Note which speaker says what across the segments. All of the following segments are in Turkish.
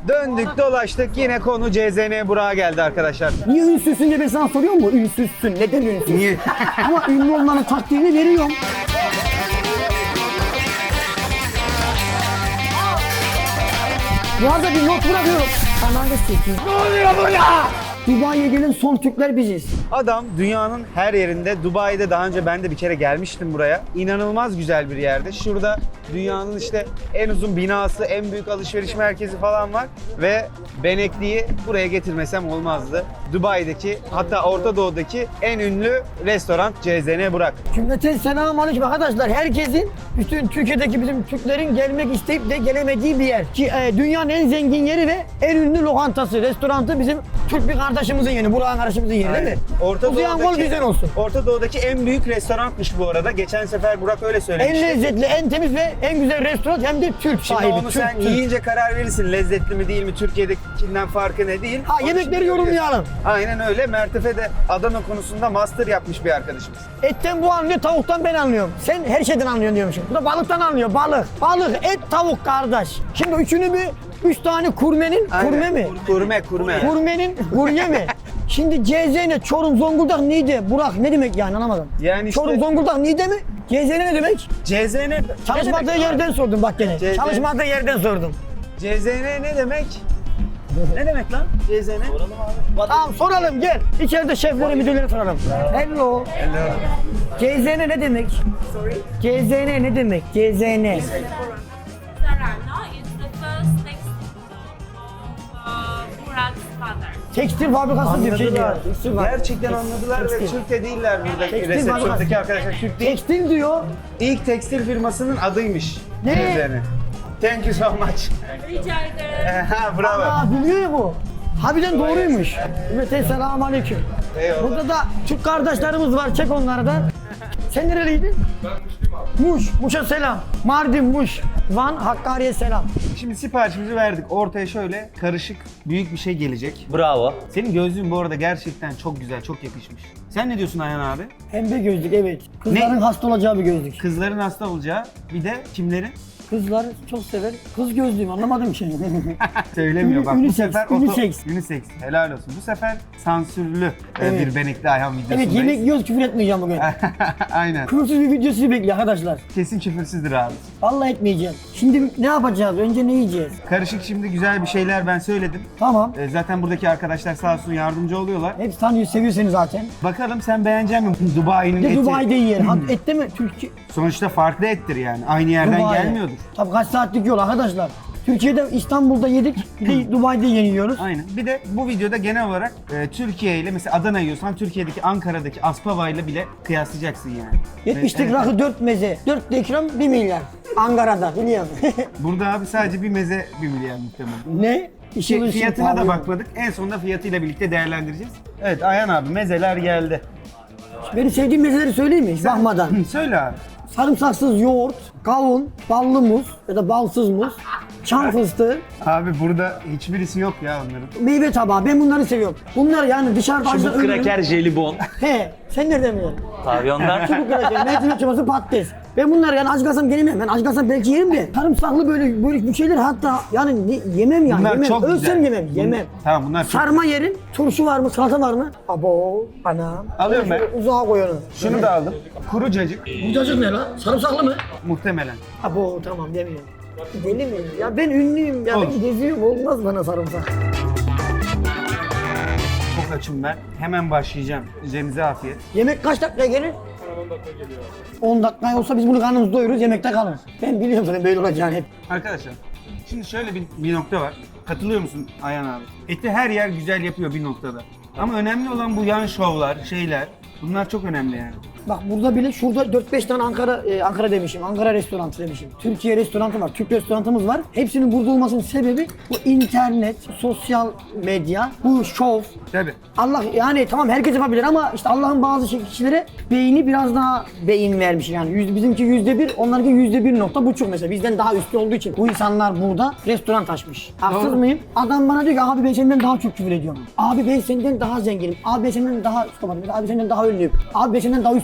Speaker 1: Döndük dolaştık yine konu CZN Burak'a geldi arkadaşlar.
Speaker 2: Niye ünsüzsün diye ben sana soruyorum mu? Ünsüzsün. Neden ünsüzsün?
Speaker 1: Niye?
Speaker 2: Ama ünlü olmanın taktiğini veriyorum. Boğaz'a bir not bırakıyorum. Kanalda 8. Ne oluyor burada? Dubai'ye gelen son Türkler biziz.
Speaker 1: Adam dünyanın her yerinde. Dubai'de daha önce ben de bir kere gelmiştim buraya. İnanılmaz güzel bir yerde. Şurada dünyanın işte en uzun binası, en büyük alışveriş merkezi falan var. Ve Benekli'yi buraya getirmesem olmazdı. Dubai'deki hatta Orta Doğu'daki en ünlü restoran CZN Burak.
Speaker 2: Cümleten selamünaleyküm arkadaşlar. Herkesin, bütün Türkiye'deki bizim Türklerin gelmek isteyip de gelemediği bir yer. Ki dünyanın en zengin yeri ve en ünlü lokantası, restorantı bizim Türk bir kardeşimizin yeri, Burak'ın kardeşimizin yeri değil mi? Uzayan gol bizden olsun.
Speaker 1: Orta Doğu'daki en büyük restoranmış bu arada. Geçen sefer Burak öyle
Speaker 2: En
Speaker 1: söylemişti.
Speaker 2: lezzetli, en temiz ve en güzel restoran hem de Türk
Speaker 1: Şimdi
Speaker 2: sahibi.
Speaker 1: onu
Speaker 2: Türk,
Speaker 1: sen
Speaker 2: Türk.
Speaker 1: yiyince karar verirsin. Lezzetli mi değil mi? Türkiye'dekinden farkı ne değil?
Speaker 2: Ha,
Speaker 1: Onu
Speaker 2: yemekleri
Speaker 1: şimdi
Speaker 2: yorumlayalım.
Speaker 1: Aynen öyle. Mertefe de Adana konusunda master yapmış bir arkadaşımız.
Speaker 2: Etten bu anlıyor, tavuktan ben anlıyorum. Sen her şeyden anlıyorsun diyormuşum. Bu da balıktan anlıyor, balık. Balık, et, tavuk kardeş. Şimdi üçünü bir, 3 tane kurmenin,
Speaker 1: Aynen.
Speaker 2: kurme mi?
Speaker 1: Kurme.
Speaker 2: Kurmenin, kurye mi? Şimdi CZN, Çorum, Zonguldak, Niğde, Burak ne demek yani anlamadım.
Speaker 1: Yani işte-
Speaker 2: Çorum, Zonguldak, Niğde mi? CZN ne demek?
Speaker 1: CZN
Speaker 2: Çalışmadığı
Speaker 1: ne demek?
Speaker 2: yerden sordum bak gene.
Speaker 1: CZN.
Speaker 2: Çalışmadığı yerden sordum.
Speaker 1: CZN ne demek? Ne demek lan CZN?
Speaker 2: Tamam soralım gel. İçeride şeflere, müdürlere soralım. Hello. CZN ne demek? CZN ne demek? CZN.
Speaker 3: Sarano is the first textile of Burak's father.
Speaker 2: Tekstil fabrikası diyor.
Speaker 1: Anladılar.
Speaker 2: Tekstil var.
Speaker 1: Gerçekten anladılar ve
Speaker 2: Tekstil.
Speaker 1: Türk de değiller buradaki
Speaker 2: Tekstil
Speaker 1: resepsiyondaki
Speaker 2: fabrikası.
Speaker 1: arkadaşlar. Türk değil.
Speaker 2: Tekstil diyor.
Speaker 1: İlk tekstil firmasının adıymış.
Speaker 2: Ne?
Speaker 1: CZN. Thank you so much.
Speaker 3: Rica ederim.
Speaker 1: Ha, bravo.
Speaker 2: Aa biliyor ya bu. Harbiden doğruymuş. Evet selamun aleyküm.
Speaker 1: Eyvallah.
Speaker 2: Burada da Türk kardeşlerimiz var. Çek onları da. Sen nereliydin? Ben Muşluyum abi. Muş. Muş'a selam. Mardin, Muş. Van, Hakkari'ye selam.
Speaker 1: Şimdi siparişimizi verdik. Ortaya şöyle karışık büyük bir şey gelecek.
Speaker 4: Bravo.
Speaker 1: Senin gözlüğün bu arada gerçekten çok güzel, çok yakışmış. Sen ne diyorsun Ayhan abi?
Speaker 2: Pembe gözlük evet. Kızların hasta olacağı bir gözlük.
Speaker 1: Kızların hasta olacağı, bir de kimlerin?
Speaker 2: Kızlar çok sever. Kız gözlüğüm anlamadım ki.
Speaker 1: Söylemiyor bak bu
Speaker 2: Unisex,
Speaker 1: sefer
Speaker 2: unisex.
Speaker 1: unisex. Helal olsun. Bu sefer sansürlü
Speaker 2: Evet.
Speaker 1: bir Benekli Ayhan videosundayız.
Speaker 2: Evet yemek yiyoruz küfür etmeyeceğim bugün.
Speaker 1: Aynen.
Speaker 2: Küfürsüz bir video sizi bekliyor arkadaşlar.
Speaker 1: Kesin küfürsüzdür abi.
Speaker 2: Vallahi etmeyeceğim. Şimdi ne yapacağız? Önce ne yiyeceğiz?
Speaker 1: Karışık şimdi güzel bir şeyler ben söyledim.
Speaker 2: Tamam.
Speaker 1: Zaten buradaki arkadaşlar sağ olsun yardımcı oluyorlar.
Speaker 2: Hepsi tanıyor, seviyor seni zaten.
Speaker 1: Bakalım sen beğenecek misin Dubai'nin
Speaker 2: Bir de
Speaker 1: eti?
Speaker 2: Dubai'de yiyelim. Ette mi? Türkiye.
Speaker 1: Sonuçta farklı ettir yani. Aynı yerden
Speaker 2: Dubai.
Speaker 1: gelmiyordur.
Speaker 2: Tabii kaç saatlik yol arkadaşlar. Türkiye'de, İstanbul'da yedik, bir de Dubai'de yiyoruz.
Speaker 1: Aynen. Bir de bu videoda genel olarak Türkiye ile mesela Adana yiyorsan Türkiye'deki Ankara'daki Aspava ile bile kıyaslayacaksın yani.
Speaker 2: 70'lik
Speaker 1: Evet.
Speaker 2: rakı 4 meze, 4 de ikram 1 milyar. Ankara'da biliyorum.
Speaker 1: Burada abi sadece bir meze 1 milyar muhtemelen.
Speaker 2: Ne? İşin ışığı
Speaker 1: Fiyatına da
Speaker 2: pahalı.
Speaker 1: bakmadık. En sonunda fiyatıyla birlikte değerlendireceğiz. Evet Ayhan abi mezeler geldi.
Speaker 2: Benim sevdiğim mezeleri söyleyeyim mi? Hiç bakmadan.
Speaker 1: Söyle abi.
Speaker 2: Sarımsaksız yoğurt, kavun, ballı muz ya da balsız muz, çam fıstığı,
Speaker 1: Abi burada hiçbirisi yok ya onların.
Speaker 2: meyve tabağı. Ben bunları seviyorum. Bunlar yani dışarıda
Speaker 4: Çubuk
Speaker 2: açıdan ölürüm.
Speaker 4: kraker, jelibon.
Speaker 2: He, sen nereden biliyorsun?
Speaker 4: Tabii onlar.
Speaker 2: Çubuk kraker, mercimek çorbası, patates. Ben bunlar yani aç kalsam gelemem. Ben aç kalsam belki yerim de. Sarımsaklı böyle bir şeyler hatta yani yemem yani.
Speaker 1: Bunlar
Speaker 2: Yemem.
Speaker 1: çok
Speaker 2: Ölsem
Speaker 1: güzel.
Speaker 2: yemem. Yemem.
Speaker 1: Tamam bunlar çok
Speaker 2: Sarma yerim. Turşu var mı? Salata var mı? Abo, anam.
Speaker 1: Alıyorum ben.
Speaker 2: Şöyle uzağa koy onu.
Speaker 1: Şunu da aldım. Kuru cacık
Speaker 2: Bu cacık ne lan? Sarımsaklı mı?
Speaker 1: muhtemelen.
Speaker 2: Abo tamam demiyorum. Deli mi? Ya ben ünlüyüm ya
Speaker 1: Olur.
Speaker 2: ben geziyorum olmaz bana sarımsak.
Speaker 1: Çok açım ben. Hemen başlayacağım. Üzerinize afiyet.
Speaker 2: Yemek kaç dakikaya gelir? 10 dakika geliyor. 10 dakika olsa biz bunu karnımızı doyururuz yemekte kalır. Ben biliyorum zaten böyle olacağını hep.
Speaker 1: Arkadaşlar şimdi şöyle bir nokta var. Katılıyor musun Ayhan abi? Eti her yer güzel yapıyor bir noktada. Ama önemli olan bu yan şovlar, şeyler. Bunlar çok önemli yani.
Speaker 2: Bak burada bile şurada 4-5 tane Ankara demişim. Ankara restoranı demişim. Türkiye restoranı var. Türk restoranımız var. Hepsinin burada olmasının sebebi bu internet, sosyal medya, bu şov.
Speaker 1: Tabii.
Speaker 2: Allah yani tamam herkes yapabilir ama işte Allah'ın bazı kişilere beyni biraz daha beyin vermiş yani. Bizimki %1, onlarınki %1.5 mesela. Bizden daha üstü olduğu için bu insanlar burada restoran açmış. Haksız
Speaker 1: Doğru.
Speaker 2: mıyım? Adam bana diyor ki abi ben senden daha çok küfür ediyorum. Abi ben senden daha zenginim. Abi ben senden daha abi ben senden daha ünlüyüm. Abi ben senden daha üst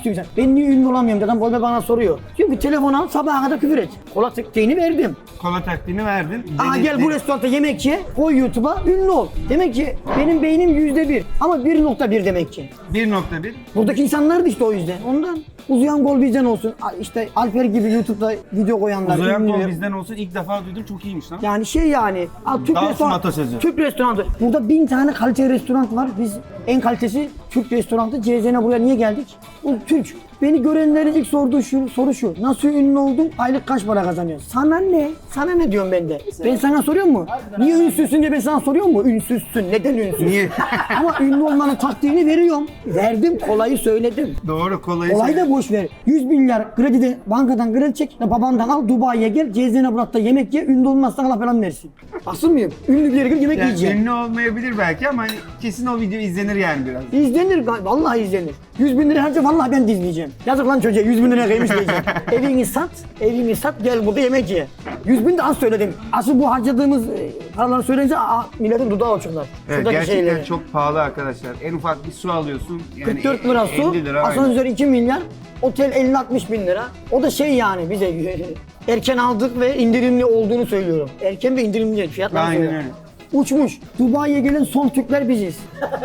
Speaker 2: istiyorsun? Ben niye ünlü olamıyorum? Adam bana soruyor. Diyorum ki telefon al sabaha kadar küfür et. Kola tekniğini verdim.
Speaker 1: Kola taktiğini verdin.
Speaker 2: Aa gel bu restoranda yemek ye, koy YouTube'a, ünlü ol. Demek ki benim beynim %1 ama 1.1 demek ki.
Speaker 1: 1.1.
Speaker 2: Buradaki insanlar da işte o yüzden. Ondan uzayan gol bizden olsun. İşte Alper gibi YouTube'da video koyanlar.
Speaker 1: Uzayan
Speaker 2: ünlüler.
Speaker 1: kol bizden olsun ilk defa duydum, çok iyiymiş lan.
Speaker 2: Yani şey yani. Türk
Speaker 1: Dağılsın
Speaker 2: restoran.
Speaker 1: atasözü.
Speaker 2: Türk restoranı. Burada 1000 tane kaliteli restoran var. Biz en kalitesi Türk restoranı. CZN'e buraya niye geldik? Bu Türk. Beni görenlerin ilk sorduğu soru şu. Nasıl ünlü oldun? Aylık kaç para kazanıyorsun? Sana ne? Sana ne diyorum ben de? Ben sana soruyor mu? Niye ünsüzsün diye ben sana soruyor mu? Ünsüzsün. Neden ünsüz?
Speaker 1: Niye?
Speaker 2: Ama ünlü olmanın taktiğini veriyorum. Verdim. Kolayı söyledim.
Speaker 1: Doğru, kolayı
Speaker 2: Olay da boş ver. 100 milyar kredide bankadan kredi çek, babandan al, Dubai'ye gel, CZN Burak'ta yemek ye, ünlü olmazsan Allah falan versin. Asıl mıyım? Ünlü bir yere gidip yemek
Speaker 1: Yani
Speaker 2: yiyeceğim.
Speaker 1: ünlü olmayabilir belki ama hani kesin o video izlenir yani biraz.
Speaker 2: İzlenir, vallahi izlenir. 100 bin lira harca vallahi ben de izleyeceğim. Yazık lan çocuğa 100 bin liraya kıymış diyeceğim. Evini sat, gel burada yemek ye. 100 bin de az söyledim. Asıl bu harcadığımız paraları söyleyince milletin dudağı uçurlar.
Speaker 1: Evet,
Speaker 2: Şuradaki
Speaker 1: gerçekten
Speaker 2: şeyleri.
Speaker 1: çok pahalı arkadaşlar. En ufak bir su alıyorsun. Yani
Speaker 2: 44 lira su,
Speaker 1: 50 lira. aynen.
Speaker 2: asansör 2 milyar, otel 50-60 bin lira. O da şey yani bize erken aldık ve indirimli olduğunu söylüyorum. Erken ve indirimli fiyatlar
Speaker 1: Aynen
Speaker 2: söylüyorum.
Speaker 1: öyle.
Speaker 2: Uçmuş. Dubai'ye gelen son Türkler biziz.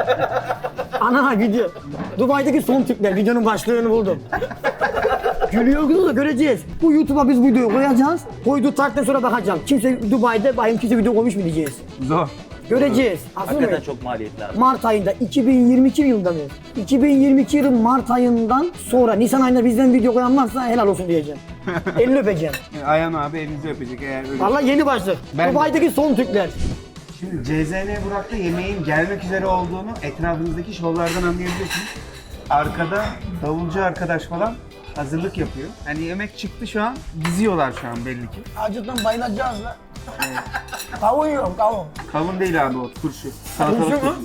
Speaker 2: Ana video. Dubai'deki son Türkler. Videonun başlığını buldum. Gülüyoruz da göreceğiz. Bu YouTube'a biz videoyu koyacağız. Koyduğu tarihten sonra bakacağım. Kimse Dubai'de bayım kimse video koymuş mu diyeceğiz.
Speaker 1: Zor.
Speaker 2: Göreceğiz. Aslında
Speaker 4: Hakikaten
Speaker 2: mı?
Speaker 4: çok maliyetli abi.
Speaker 2: Mart ayında 2022 yılında mı? 2022 yılın Mart ayından sonra Nisan ayında bizden video koyan varsa helal olsun diyeceğim. Elini öpeceğim.
Speaker 1: Ayhan abi elinizi öpecek eğer öyle.
Speaker 2: Vallahi yeni başlık.
Speaker 1: Ben de.
Speaker 2: Dubai'deki son Türkler.
Speaker 1: Şimdi CZN Burak'ta yemeğin gelmek üzere olduğunu etrafınızdaki şovlardan anlayabiliyorsunuz. Arkada davulcu arkadaş falan hazırlık yapıyor. Hani yemek çıktı şu an, diziyorlar şu an belli ki.
Speaker 2: Acıktan bayılacağız la. Kavun yiyorum kavun.
Speaker 1: Kavun değil abi o, turşu. Salatalık
Speaker 2: Turşu mu?
Speaker 1: turşu.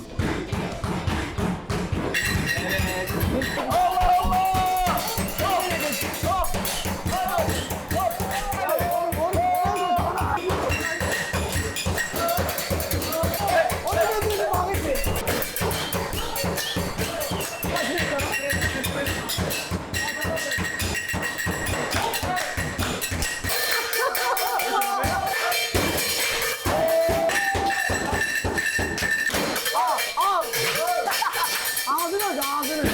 Speaker 2: Ağzını aç ağzını.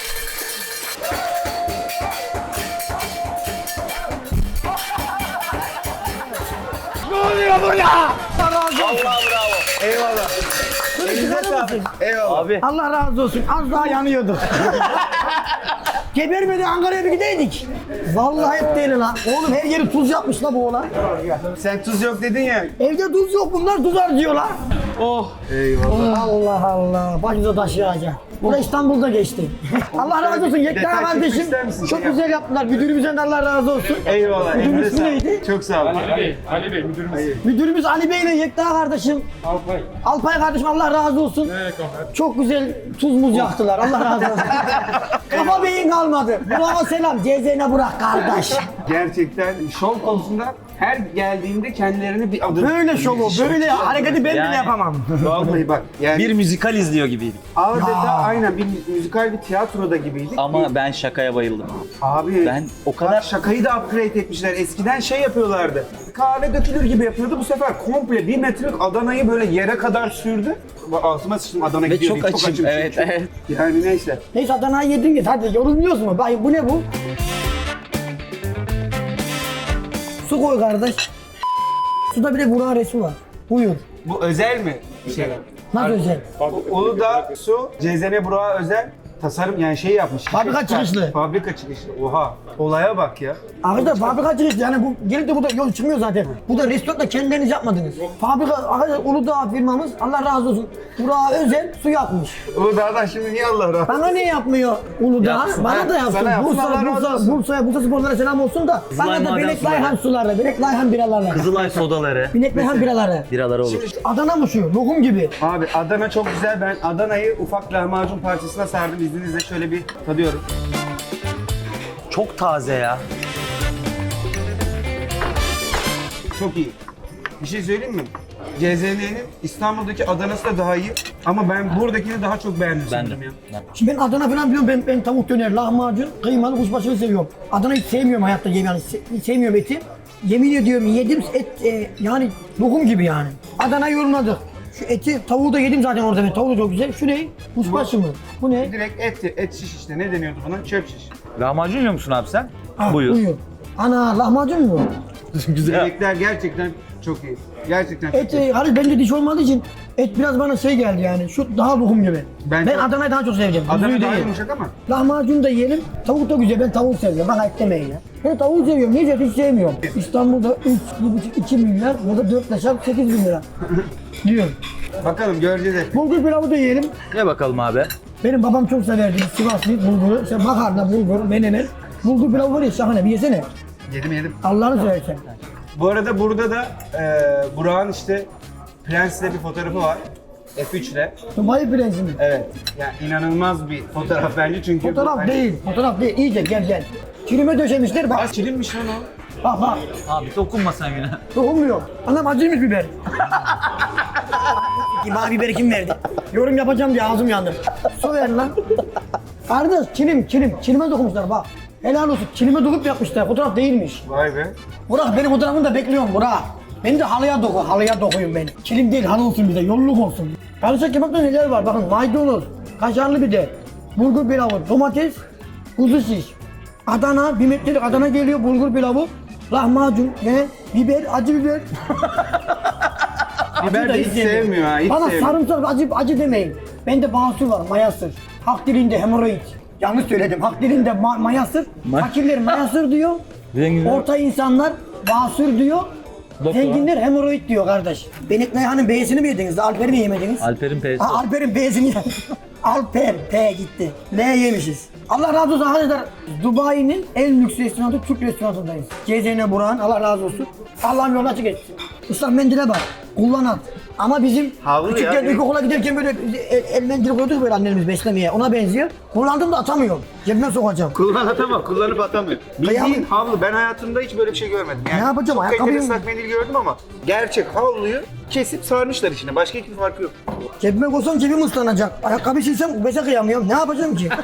Speaker 2: Ne oluyor burada? Allah razı olsun.
Speaker 1: Eyvallah. Elinize sağlık. Eyvallah.
Speaker 4: Abi
Speaker 2: Allah razı olsun. Az daha yanıyorduk. Gebermedi Ankara'ya bir gideydik. Vallahi hep değil lan. Oğlum her yeri tuz yapmış la bu oğlan.
Speaker 1: Sen tuz yok dedin ya.
Speaker 2: Evde tuz yok bunlar tuz harcıyorlar.
Speaker 1: Eyvallah.
Speaker 2: Allah Allah. Başımıza taş yağacak. Bu da İstanbul'da geçti. Allah razı olsun Yekta
Speaker 1: Detay
Speaker 2: kardeşim.
Speaker 1: çekmek ister misin?
Speaker 2: Çok güzel yaptılar. Müdürümüzden de Allah razı olsun.
Speaker 1: Eyvallah.
Speaker 2: Müdürün
Speaker 1: Elinize
Speaker 2: ismi
Speaker 1: sağlık.
Speaker 2: neydi?
Speaker 1: Çok sağ olun.
Speaker 5: Ali Bey müdürümüz.
Speaker 2: Müdürümüz Ali Bey ile Yekta kardeşim.
Speaker 5: Alpay.
Speaker 2: Alpay kardeşim Allah razı olsun.
Speaker 5: Evet kapat.
Speaker 2: Çok güzel tuz muz yaktılar. Allah razı olsun. Kafa beyin kalmadı. Bravo selam. CZN Burak kardeş.
Speaker 1: Gerçekten şov konusunda her geldiğinde kendilerini bir adım...
Speaker 2: Böyle şovu, böyle hareketi ben bile
Speaker 4: Yani.
Speaker 2: yapamam.
Speaker 1: Vallahi bak yani
Speaker 4: bir müzikal izliyor gibiydik.
Speaker 1: adeta aynen bir müzikal bir tiyatroda gibiydik.
Speaker 4: Ama ben şakaya bayıldım.
Speaker 1: Abi
Speaker 4: Ben o kadar-
Speaker 1: bak şakayı da upgrade etmişler. Eskiden şey yapıyorlardı. Kahve dökülür gibi yapıyordu. Bu sefer komple 1 metrelik Adana'yı böyle yere kadar sürdü. Altıma sıçtım Adana
Speaker 4: Ve
Speaker 1: gidiyor
Speaker 4: çok
Speaker 1: diye.
Speaker 4: açım. Evet,
Speaker 1: çünkü.
Speaker 4: evet.
Speaker 1: Yani neyse.
Speaker 2: Neyse Adana'yı yedin git hadi yorulmuyoruz mu? Bay bu ne bu? Su koy kardeş. Suda bir de Burak'ın resmi var. Buyur.
Speaker 1: Bu özel mi? Şey.
Speaker 2: Nasıl özel?
Speaker 1: Uludağ Su CZN Burak'a özel tasarım yani şey yapmış.
Speaker 2: Fabrika çıkışlı.
Speaker 1: Fabrika çıkışlı. Oha. Olaya bak ya.
Speaker 2: Arkadaşlar fabrika çıkışlı yani bu gelip de burada yol çıkmıyor zaten. Bu da restoranda kendileriniz yapmadınız. Fabrika arkadaşlar Uludağ firmamız Allah razı olsun. Burak'a özel su yapmış.
Speaker 1: Uludağ'dan şimdi niye Allah razı olsun?
Speaker 2: Bana ne yapmıyor Uludağ?
Speaker 4: Yapsın.
Speaker 2: Bana da yapsın.
Speaker 1: Sana yapsın, Allah razı olsun.
Speaker 2: Bursa sporlara selam olsun da. Bana da
Speaker 4: maden
Speaker 2: Bilek
Speaker 4: suları.
Speaker 2: Layhan suları, Bilek Layhan biraları.
Speaker 4: Kızılay sodaları,
Speaker 2: Bilek Layhan biraları.
Speaker 4: biraları olur.
Speaker 2: Adana mı şu? Lokum gibi.
Speaker 1: Abi Adana çok güzel. Ben Adana'yı ufak lahmacun parçasına sardım. İzninizle şöyle bir tadıyorum.
Speaker 4: Çok taze ya.
Speaker 1: Çok iyi. Bir şey söyleyeyim mi? CZN'nin İstanbul'daki Adana'sı da daha iyi. Ama ben buradakini daha çok beğendim
Speaker 4: Ben de.
Speaker 1: sanırım ya.
Speaker 2: Şimdi ben Adana falan biliyorum. Ben tavuk döner, lahmacun, kıymalı kuşbaşını seviyorum. Adana hiç sevmiyorum hayatta yemeği. Yani hiç sevmiyorum eti. Yemin ediyorum yedim et yani lokum gibi yani. Adana yorumladık. Şu eti, tavuğu da yedim zaten orada. Tavuğu da çok güzel. Şu ne? Kuşbaşı mı? Bu ne?
Speaker 1: Direkt et şiş işte. Ne deniyordu buna? Çöp şiş.
Speaker 4: Lahmacun yiyor musun abi sen?
Speaker 2: Ah,
Speaker 4: Buyur.
Speaker 2: Ana lahmacun mu?
Speaker 4: Güzel.
Speaker 1: Yemekler gerçekten çok iyi. Gerçekten çok
Speaker 2: Et,
Speaker 1: iyi.
Speaker 2: hani bende diş olmadığı için et biraz bana şey geldi yani. Şu daha lokum gibi.
Speaker 1: Ben
Speaker 2: Ben
Speaker 1: çok-
Speaker 2: Adana'yı daha çok seveceğim.
Speaker 1: Adana
Speaker 2: Kuzuyu
Speaker 1: daha
Speaker 2: değil.
Speaker 1: yumuşak ama.
Speaker 2: Lahmacun da yiyelim. Tavuk da güzel. Ben tavuğu seviyorum. Bana et demeyin ya. Ben tavuğu seviyorum. Niye hiç sevmiyorum. İstanbul'da 3, 1,5, 2 milyar. Burada 4 yaşam 8 bin lira. Diyorum.
Speaker 1: Bakalım göreceğiz et.
Speaker 2: Bulgur pilavı da yiyelim.
Speaker 4: Ye bakalım abi.
Speaker 2: Benim babam çok severdi. Sivaslı bulguru. İşte makarna, bulgur, menemen. Bulgur pilavı var ya şahane. Bir yesene.
Speaker 1: Yedim.
Speaker 2: Allah'ını seversen.
Speaker 1: Bu arada burada da Burak'ın işte Prens'le bir fotoğrafı var. F3'le.
Speaker 2: Dubai prensi mi?
Speaker 1: Evet. Yani inanılmaz bir fotoğraf bence çünkü.
Speaker 2: Fotoğraf
Speaker 1: hani-
Speaker 2: değil. Fotoğraf değil. İyice gel. Çilime döşemişler. Bak.
Speaker 1: Aa, çilinmiş lan o.
Speaker 2: Bak.
Speaker 4: Abi dokunma sen yine.
Speaker 2: Dokunmuyor. Anam acıymış biber. Bana biberi kim verdi? Yorum yapacağım diye ağzım yandı. Su ver lan. Kardeş çilim. Çilime dokunmuşlar bak. Helal olsun. Çilime dokup yapmışlar. Fotoğraf değilmiş.
Speaker 1: Vay be.
Speaker 2: Burak benim fotoğrafımı da bekliyorum Burak. Beni de halıya dokuyun beni. Çilim değil halı olsun bize. Yolluk olsun. Karışık kebapta neler var? Bakın maydanoz, kaşarlı biber, bulgur pilavı, domates, kuzu şiş. Adana, bir metrelik Adana geliyor bulgur pilavı. Lahmacun ve biber, acı biber.
Speaker 1: Biber
Speaker 2: da
Speaker 1: de hiç sevmiyor ha. Hiç
Speaker 2: Bana
Speaker 1: sevmiyor.
Speaker 2: sarımsak acı demeyin. Bende basur var, mayasır. Hak dilinde hemoroid. Yanlış söyledim. Hak dilinde mayasır. Fakirler mayasır diyor.
Speaker 4: Zenginler-
Speaker 2: Orta insanlar basur diyor.
Speaker 4: Doktor.
Speaker 2: Zenginler hemoroid diyor kardeş. Benik Nayhan'ın B'sini mi yediniz? Alper'i mi yemediniz?
Speaker 4: Alper'in P'si.
Speaker 2: Alper'in B'sini yedik. Alper, P gitti. L yemişiz. Allah razı olsun arkadaşlar. Dubai'nin en lüks restoranı Türk restoranındayız. CZN Burak'ın Allah razı olsun. Allah'ım yolunu açık etsin. Islak mendile bak. Kullan at. Ama bizim
Speaker 1: Havlu ya,
Speaker 2: küçükken
Speaker 1: direkt.
Speaker 2: ilkokula giderken böyle el mendili koyduk böyle annelerimiz beslemeye. Ona benziyor. Kullandım da atamıyorum. Cebime sokacağım.
Speaker 1: Kullanıp atamıyor. Bildiğin
Speaker 2: Kıyam-
Speaker 1: havlu. Ben hayatımda hiç böyle bir şey görmedim. Yani
Speaker 2: Ne yapacağım,
Speaker 1: çok
Speaker 2: ayakkabıyı
Speaker 1: kaliteli
Speaker 2: mı?
Speaker 1: ıslak mendil gördüm ama gerçek havluyu kesip sarmışlar içine. Başka hiçbir farkı yok.
Speaker 2: Cebime koysam cebim ıslanacak. Ayakkabı silsem ubese kıyamıyorum. Ne yapacağım ki?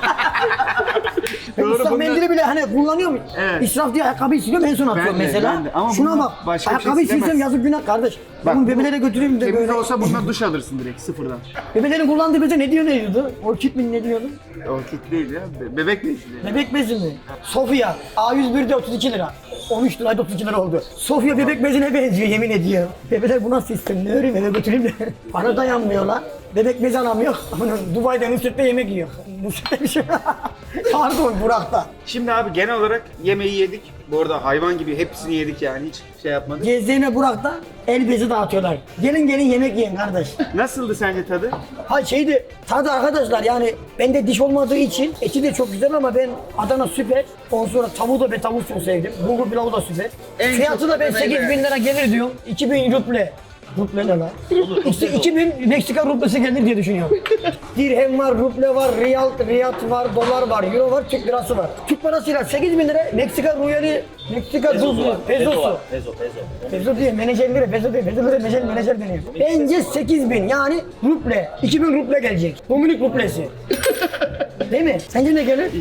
Speaker 2: Ben
Speaker 1: Doğru,
Speaker 2: ıslak
Speaker 1: bunda-
Speaker 2: mendili bile hani kullanıyorum.
Speaker 1: Evet.
Speaker 2: İsraf diye ayakkabıyı siliyorum en son atıyorum
Speaker 1: de,
Speaker 2: mesela.
Speaker 1: ben de. Ama
Speaker 2: Şuna
Speaker 1: bunda
Speaker 2: bak.
Speaker 1: başka bir şey
Speaker 2: Ayakkabıyı silsem
Speaker 1: silemezsin.
Speaker 2: yazık günah kardeş.
Speaker 1: Bak,
Speaker 2: Bunu bebelere götüreyim de
Speaker 1: Temiz
Speaker 2: böyle.
Speaker 1: olsa bununla duş alırsın direkt sıfırdan.
Speaker 2: Bebelerin kullandığı beze ne diyordu? Orkid mi ne diyordu?
Speaker 1: Orkid değil ya. Bebek bezi.
Speaker 2: Bebek bezi mi? Sofya. A101'de 32 lira. 13 liraydı 32 lira oldu. Sofya bebek bezine benziyor yemin ediyorum. Bebeler bu nasıl istedim? Ne öreyim eve götüreyim de. Bana dayanmıyorlar. Bebek bezi alamıyor. Dubai'de Nusret'te yemek yiyor. Nusret'te bir şey. Pardon Burak'ta.
Speaker 1: Şimdi abi genel olarak yemeği yedik. Bu arada hayvan gibi hepsini yedik yani hiç şey yapmadık.
Speaker 2: Gezdiğine Burak'ta el bezi dağıtıyorlar. Gelin yemek yiyin kardeş.
Speaker 1: Nasıldı sence tadı?
Speaker 2: Ha şeydi, tadı arkadaşlar yani bende diş olmadığı için eti de çok güzel ama ben Adana süper. Ondan sonra tavuğu da ben tavuğu çok sevdim. Bulgur pilavı da süper.
Speaker 1: En
Speaker 2: Fiyatı
Speaker 1: çok
Speaker 2: da ben
Speaker 1: yemeği
Speaker 2: 8 bin lira gelir diyorum. 2000 ruble. Ruble ne lan? İşte 2000 Meksika rublesi gelir diye düşünüyorum. Dirhem var, ruble var, riyal var, dolar var, euro var, Türk lirası var. Türk parasıyla 8 bin lira Meksika ruyali, Meksika pezosu. Peso değil, menajerlere, peso değil, pesolere menajer deniyor. Bence 8 bin yani ruble, 2000 ruble gelecek. Dominik rublesi. Değil mi? Sence ne gelir?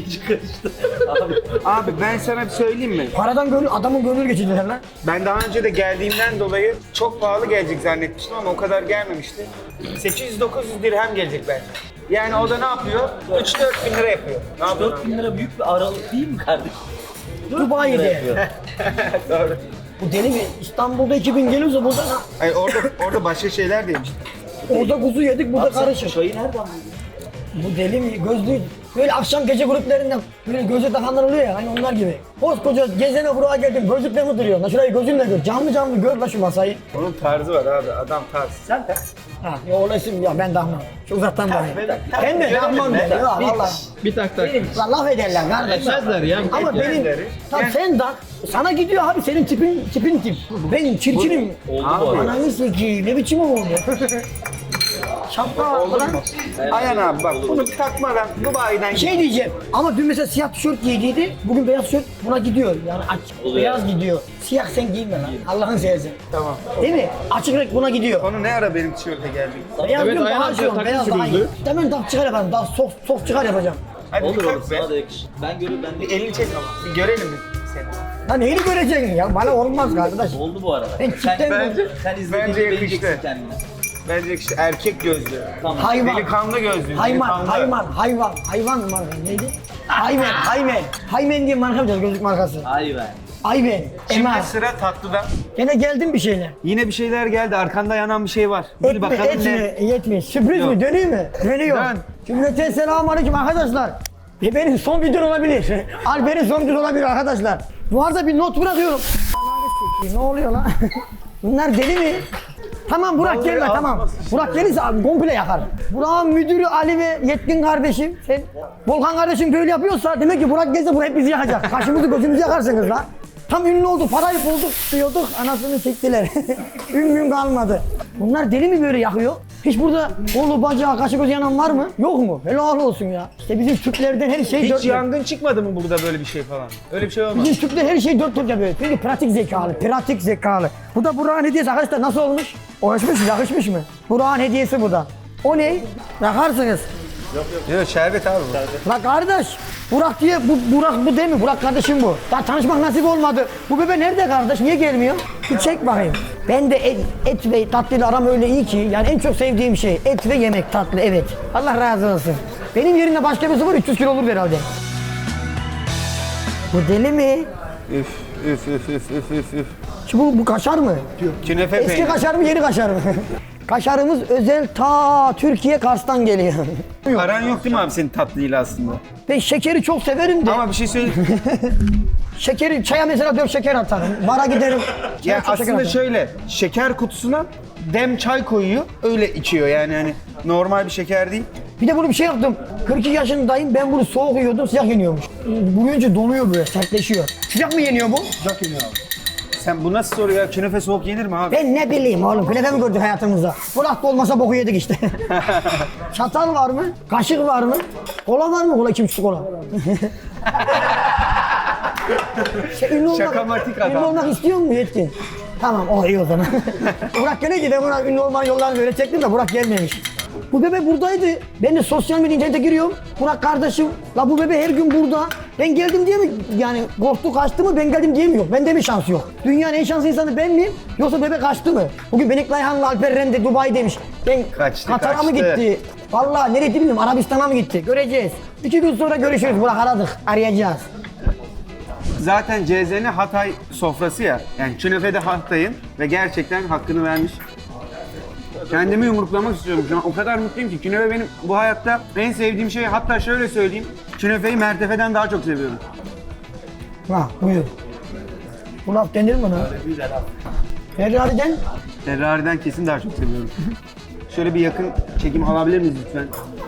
Speaker 1: Abi ben sana bir söyleyeyim mi?
Speaker 2: Paradan adamın gönül geçirdiler lan.
Speaker 1: Ben daha önce de geldiğimden dolayı çok pahalı gelecek zannetmiştim ama o kadar gelmemişti. 800-900 dirhem gelecek bence. Yani o da ne yapıyor? 3-4 bin lira yapıyor. Ne yapıyor?
Speaker 4: 4 bin lira büyük bir aralık değil mi kardeşim?
Speaker 2: Dubai'de.
Speaker 1: Doğru.
Speaker 2: Bu deli mi? İstanbul'da 2000 geliyorsa burada
Speaker 1: Hayır, orada başka şeyler de yemiştim.
Speaker 2: orada kuzu yedik, burada karışık.
Speaker 4: Çayı nereden buldun?
Speaker 2: Bu deli mi? Gözlü. Böyle akşam gece gruplarında böyle göze takanlar oluyor ya hani onlar gibi. Koskoca gezene buraya geldim gözlükle mi duruyor? La şurayı gözünle gör. Canlı gör la şu masayı.
Speaker 1: Onun tarzı var abi. Adam tarz. Sen de.
Speaker 2: Ha, ya olasın ya ben dahmam. Şu uzaktan bakayım. Ben de dahmam ben. Ya valla.
Speaker 1: Bir tak tak.
Speaker 2: Lan laf ederler kardeş.
Speaker 1: Etmezler ya.
Speaker 2: Ama benim,
Speaker 1: Etmezler.
Speaker 2: tam
Speaker 1: Yani-
Speaker 2: sen dak. Sana gidiyor abi senin tipin tip. Ben çirkinim.
Speaker 4: Oldu bu arada.
Speaker 2: Ananı sikiyim ne biçim oldu? Şapka var falan.
Speaker 1: Ayhan abi bak bunu takmadan Dubai'den
Speaker 2: Şey diyeceğim ama dün mesela siyah tişört giydiydi. Bugün beyaz tişört buna gidiyor. Yani açık beyaz gidiyor. Siyah sen giyme lan. Allah'ın seversen.
Speaker 1: Tamam.
Speaker 2: Değil mi? Açık renk buna gidiyor.
Speaker 1: Konu ne ara benim tişörte geldi?
Speaker 2: Beyaz
Speaker 5: Evet,
Speaker 2: diyorum
Speaker 5: Ayhan
Speaker 2: daha
Speaker 5: abi
Speaker 2: şey olur.
Speaker 5: takım
Speaker 2: Beyaz daha iyi.
Speaker 5: sürüldü.
Speaker 2: Hemen tak çıkar yaparım. Daha soft çıkar yapacağım.
Speaker 1: Hadi
Speaker 4: Olur
Speaker 1: bir
Speaker 4: olur
Speaker 1: kalk be.
Speaker 4: sana da yakışır. Ben görüyorum ben
Speaker 1: Bir
Speaker 4: de.
Speaker 1: elini çek ama. Bir görelim mi seni?
Speaker 2: Lan neyini göreceksin ya? Bana olmaz arkadaş.
Speaker 4: Oldu bu arada.
Speaker 2: Ben çiftten
Speaker 4: Sen izlediğinde
Speaker 1: Bence
Speaker 4: beğeneceksin
Speaker 1: yakıştı.
Speaker 4: kendini.
Speaker 1: Bence işte erkek gözlü.
Speaker 4: Tamam.
Speaker 2: Hayvan.
Speaker 1: Delikanlı gözlü.
Speaker 2: Hayvan marka neydi? Haymen diye marka yapacağız gözlük markası.
Speaker 4: Ay be.
Speaker 2: Ayven,
Speaker 1: Şimdi
Speaker 2: Emar.
Speaker 1: sıra tatlıda.
Speaker 2: Gene geldim bir şeyle.
Speaker 1: Yine bir şeyler geldi. Arkanda yanan bir şey var. Bil bakalım ne?
Speaker 2: Yetme. Sürpriz mi? Döneyim mi? Dönüyor.
Speaker 1: Dön.
Speaker 2: Cümleten selamünaleyküm arkadaşlar. Benim son videom olabilir. Alper'in son videosu olabilir arkadaşlar. Bu arada bir not bırakıyorum. Ne oluyor lan? Bunlar deli mi? Tamam Burak
Speaker 1: Vallahi
Speaker 2: gelme tamam.
Speaker 1: atmasın.
Speaker 2: Burak gelirse abi komple yakar. Burak'ın müdürü Ali ve Yetkin kardeşim. Sen Volkan kardeşim böyle yapıyorsa demek ki Burak gelse bu hep bizi yakacak. Kaşımızı gözümüzü yakarsınız lan. Tam ünlü oldu, parayı bulduk diyorduk, anasını çektiler. Ün kalmadı. Bunlar deli mi böyle yakıyor? Hiç burada kolu, bacağı, kaşı gözü yanan var mı? Yok mu? Helal olsun ya. İşte bizim Türklerden her şey
Speaker 1: Hiç
Speaker 2: dört dört.
Speaker 1: yangın çıkmadı mı burada böyle bir şey falan? Öyle bir şey olmaz.
Speaker 2: Bizim Türkler her şey dört dört yapıyor. Çünkü pratik zekalı. Bu da Burak'ın hediyesi arkadaşlar nasıl olmuş? Hoşmuş, yakışmış mı? Burak'ın hediyesi bu da. O ne? Yakarsınız.
Speaker 1: Yok şerbet abi bu.
Speaker 2: La kardeş, Burak diye, Burak bu değil mi? Burak kardeşim bu. Daha tanışmak nasip olmadı. Bu bebe nerede kardeş? Niye gelmiyor? Bir çek bakayım. Ben de et ve tatlıyla aram öyle iyi ki, yani en çok sevdiğim şey et ve yemek tatlı, evet. Allah razı olsun. Benim yerimde başka birisi var 300 kilo olur herhalde. Bu deli mi?
Speaker 1: Üf.
Speaker 2: Şu bu kaşar mı?
Speaker 1: Künefe
Speaker 2: Eski
Speaker 1: peyniri.
Speaker 2: kaşar mı, yeni kaşar mı? Kaşarımız özel ta Türkiye Kars'tan geliyor.
Speaker 1: Aran yok değil mi abi senin tatlıyla aslında?
Speaker 2: Ben şekeri çok severim de.
Speaker 1: Ama bir şey söyleyeyim.
Speaker 2: Şekeri, çaya mesela 4 şeker atarım. Bara giderim. çaya
Speaker 1: Ya
Speaker 2: çok şeker
Speaker 1: aslında
Speaker 2: atarım.
Speaker 1: şöyle şeker kutusuna dem çay koyuyor öyle içiyor yani hani normal bir şeker değil.
Speaker 2: Bir de bunu bir şey yaptım. 42 yaşındayım, ben bunu soğuk yiyordum, sıcak yeniyormuş. Bu önce donuyor böyle, sertleşiyor. Sıcak mı yeniyor bu? Sıcak yeniyor abi.
Speaker 1: Sen bu nasıl soru ya? Künefe soğuk yenir mi abi?
Speaker 2: Ben ne bileyim oğlum, künefe mi gördük hayatımızda? Burak da olmasa boku yedik işte. Çatal var mı? Kaşık var mı? Kola var mı? Kola 2,5 kola. Ünlü
Speaker 1: Şakamatik adam.
Speaker 2: Ünlü olmak istiyor mu Yetkin? Tamam, o iyi o zaman. Burak gene ki ben buna ünlü olmanın yollarını böyle çektim de Burak gelmemiş. Bu bebe buradaydı. Ben de sosyal medya internete giriyorum. Burak kardeşim, la bu bebe her gün burada. Ben geldim diye mi yani korktu kaçtı mı ben geldim diye mi yok? Bende mi şans yok? Dünyanın en şanslı insanı ben miyim? Yoksa bebe kaçtı mı? Bugün Benek Layhan'la Alper Rende Dubai demiş. Ben Katar'a mı gitti? Vallahi nereye bilmiyorum, Arabistan'a mı gitti? Göreceğiz. 2 gün sonra görüşürüz. Burak aradık. Arayacağız.
Speaker 1: Zaten CZN Hatay sofrası ya. Yani künefe de Hatay'ın ve gerçekten hakkını vermiş. Kendimi yumruklamak istiyorum şu an. O kadar mutluyum ki künefe benim bu hayatta en sevdiğim şey. Hatta şöyle söyleyeyim. Künefeyi mertefeden daha çok seviyorum.
Speaker 2: Ha buyur. Bu laf denir mi lan? Ferrari'den
Speaker 1: Ferrari'den kesin daha çok seviyorum. Şöyle bir yakın çekim alabilir miyiz lütfen?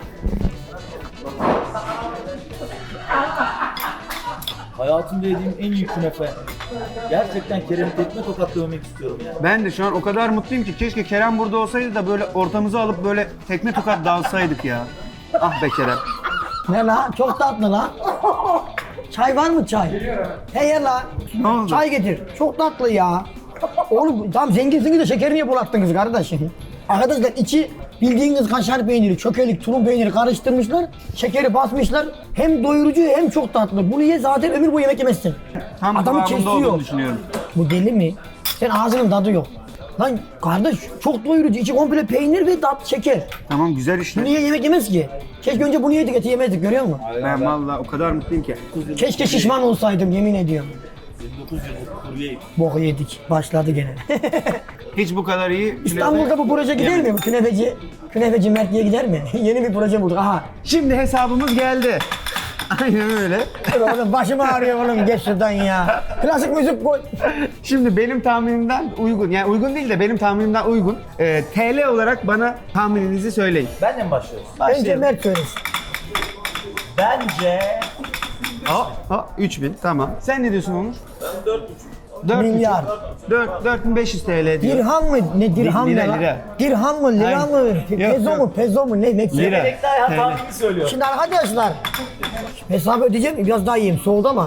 Speaker 4: Hayatımda yediğim en iyi künefe. Gerçekten Kerem'i tekme tokatlamak istiyorum yani.
Speaker 1: Ben de şu an o kadar mutluyum ki keşke Kerem burada olsaydı da böyle ortamıza alıp böyle tekme tokat dalsaydık ya. Ah be Kerem.
Speaker 2: ne la? Çok tatlı la. Çay var mı çay? Hey la.
Speaker 1: Ne oldu?
Speaker 2: Çay getir. Çok tatlı ya. Oğlum tam zenginsiniz de şekeri niye bulattınız kardeşim? Arkadaşlar içi bildiğiniz kaşar peyniri, çökelik, tulum peyniri karıştırmışlar. Şekeri basmışlar. Hem doyurucu hem çok tatlı. Bunu ye zaten ömür boyu yemek yemezsin.
Speaker 1: Tam
Speaker 2: Adamı
Speaker 1: kıvamında olduğunu
Speaker 2: kesiyor.
Speaker 1: düşünüyorum.
Speaker 2: Bu deli mi? Sen ağzının tadı yok. Lan kardeş çok doyurucu. İçi komple peynir ve tat şeker.
Speaker 1: Tamam güzel
Speaker 2: Bunu
Speaker 1: işte.
Speaker 2: niye yemek yemez ki? Keşke önce bunu yedik eti yemezdik görüyor musun?
Speaker 1: Ben vallahi o kadar mutluyum ki.
Speaker 2: Keşke şişman olsaydım yemin ediyorum.
Speaker 4: 29 yıllık kuryeyim.
Speaker 2: Boku yedik. Başladı gene.
Speaker 1: Hiç bu kadar iyi.
Speaker 2: İstanbul'da bu proje gider mi? Bu Künefeci Mert diye gider mi? Yeni bir proje bulduk. Aha.
Speaker 1: Şimdi hesabımız geldi. Aynen öyle.
Speaker 2: Dur oğlum başım ağrıyor oğlum geç şuradan ya. Klasik müzik koy.
Speaker 1: Şimdi benim tahminimden uygun. Yani uygun değil de benim tahminimden uygun. TL olarak bana tahmininizi söyleyin.
Speaker 4: Benden başlıyoruz.
Speaker 2: Önce Mert söylesin.
Speaker 4: Bence
Speaker 1: 3000 tamam. Sen ne diyorsun Onur?
Speaker 4: ben 4,5.
Speaker 2: Milyar.
Speaker 1: 4500 TL diyor.
Speaker 2: Dirham mı? Ne dirham
Speaker 1: Lira,
Speaker 2: ne lan?
Speaker 1: lira.
Speaker 2: Dirham mı? Lira
Speaker 1: Aynen.
Speaker 2: mı?
Speaker 1: Yok,
Speaker 2: Pezo
Speaker 1: yok.
Speaker 2: mu? Pezo mu? Ne? Meksika.
Speaker 1: Lira.
Speaker 4: Melek daha ya tahmini söylüyor.
Speaker 2: Şimdi arkadaşlar hesabı ödeyeceğim biraz daha yiyeyim soğudu ama.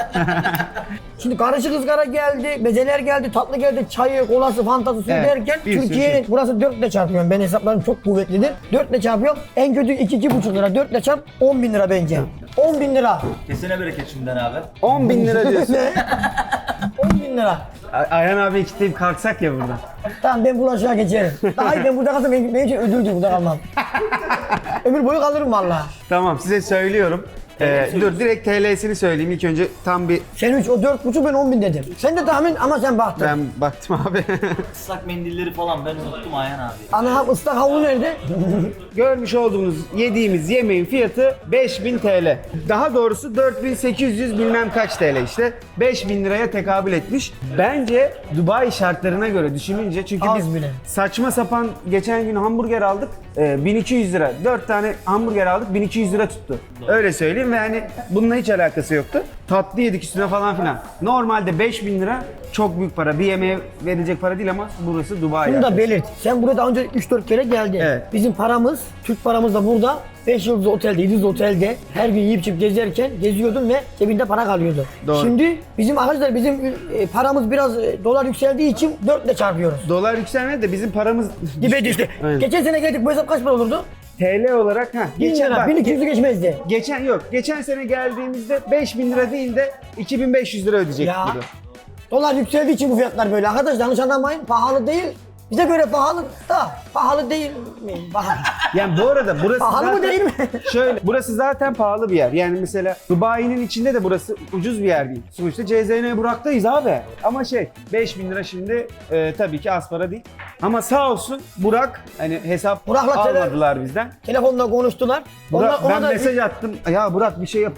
Speaker 2: Şimdi karışık ızgara geldi, mezeler geldi, tatlı geldi, çayı, kolası, fantası, suyu
Speaker 1: Evet,
Speaker 2: derken
Speaker 1: bir sürü
Speaker 2: Türkiye'nin
Speaker 1: şey.
Speaker 2: burası 4 ile çarpıyorum. Ben hesaplarım çok kuvvetlidir. 4 ile çarpıyorum. En kötü 2-2,5 lira. 4 ile çarp 10 bin lira bence. 10 bin lira.
Speaker 4: Kesene bereket şimdiden abi.
Speaker 1: 10 bin lira diyorsun.
Speaker 2: 10 bin lira.
Speaker 1: Ayhan abi kitleyip kalksak ya buradan.
Speaker 2: Tamam ben bulaşığa geçerim. Daha iyi ben burada kalsam benim için ödüldür burada kalmam. Ömür boyu kalırım valla.
Speaker 1: Tamam size söylüyorum. Dur direkt TL'sini söyleyeyim ilk önce tam bir
Speaker 2: Sen 3, o 4,5 ben 10 bin dedim. Sen de tahmin ama sen baktın.
Speaker 1: ben baktım abi.
Speaker 4: Islak mendilleri falan ben unuttum Ayhan abi.
Speaker 2: Ana ıslak havlu nerede?
Speaker 1: Görmüş olduğunuz yediğimiz yemeğin fiyatı 5000 TL. Daha doğrusu 4800 bilmem kaç TL işte. 5000 liraya tekabül etmiş. Bence Dubai şartlarına göre düşününce çünkü
Speaker 2: Az
Speaker 1: biz
Speaker 2: bile.
Speaker 1: saçma sapan geçen gün hamburger aldık. 1200 lira. 4 tane hamburger aldık 1200 lira tuttu. Öyle söyleyeyim ve hani bununla hiç alakası yoktu. Tatlı yedik üstüne falan filan. Normalde 5000 lira çok büyük para. Bir yemeğe verilecek para değil ama burası Dubai.
Speaker 2: Bunu da belirt. Sen buraya daha önce 3-4 kere geldin.
Speaker 1: Evet.
Speaker 2: Bizim paramız, Türk paramız da burada 5 yıldız otelde, 7 yıldız otelde her gün yiyip içip gezerken geziyordun ve cebinde para kalıyordu.
Speaker 1: Doğru.
Speaker 2: Şimdi bizim arkadaşlar bizim paramız biraz dolar yükseldiği için 4 ile çarpıyoruz.
Speaker 1: Dolar yükselmedi de bizim paramız
Speaker 2: Dibe düştü.
Speaker 1: Aynen.
Speaker 2: Geçen sene geldik bu hesap kaç para olurdu?
Speaker 1: TL olarak
Speaker 2: 1000 lira, 1200'ü geçmezdi.
Speaker 1: Geçen sene geldiğimizde 5000 lira değil de 2500 lira ödeyecektik
Speaker 2: Ya.
Speaker 1: burada.
Speaker 2: Dolar yükseldiği için bu fiyatlar böyle. Arkadaşlar yanlış anlamayın, pahalı değil. Bize göre pahalı da pahalı değil mi? Pahalı.
Speaker 1: Yani bu arada burası
Speaker 2: Pahalı mı
Speaker 1: zaten,
Speaker 2: değil mi?
Speaker 1: Şöyle, burası zaten pahalı bir yer. Yani mesela Dubai'nin içinde de burası ucuz bir yer değil. Sonuçta CZN Burak'tayız abi. Ama 5000 lira şimdi tabii ki az para değil. Ama sağ olsun Burak hani hesap
Speaker 2: Burak'la
Speaker 1: almadılar bizden.
Speaker 2: Telefonla konuştular.
Speaker 1: Burak,
Speaker 2: Ona
Speaker 1: ben
Speaker 2: da
Speaker 1: mesaj attım. Ya Burak bir şey yap.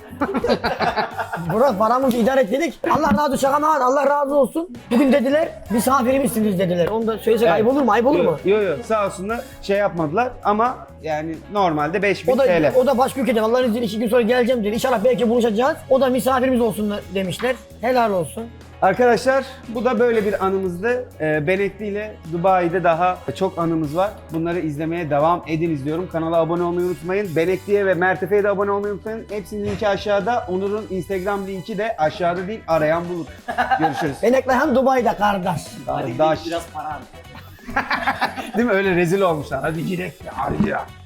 Speaker 2: Burak paramızı idare et dedik. Allah razı olsun, şaka mı? Allah razı olsun. Bugün dediler misafirimizsiniz dediler. Onu da söylesek ayıp olur mu? Ayıp olur mu?
Speaker 1: Yok sağ olsunlar yapmadılar ama yani normalde 5000
Speaker 2: O da,
Speaker 1: TL.
Speaker 2: o da başka ülkeden Allah'ın izniyle 2 gün sonra geleceğim dedi. İnşallah belki buluşacağız. O da misafirimiz olsun demişler. Helal olsun.
Speaker 1: Arkadaşlar bu da böyle bir anımızdı. Benekli ile Dubai'de daha çok anımız var. Bunları izlemeye devam ediniz diyorum. Kanala abone olmayı unutmayın. Benekli'ye ve Mertefe'ye de abone olmayı unutmayın. Hepsinin linki aşağıda. Onur'un Instagram linki de aşağıda değil, arayan bulur. Görüşürüz.
Speaker 2: Benekli hem Dubai'de kardeş.
Speaker 1: Kardeş.
Speaker 4: Biraz para.
Speaker 1: Değil mi? Öyle rezil olmuşlar. Hadi gidelim. Hadi ya.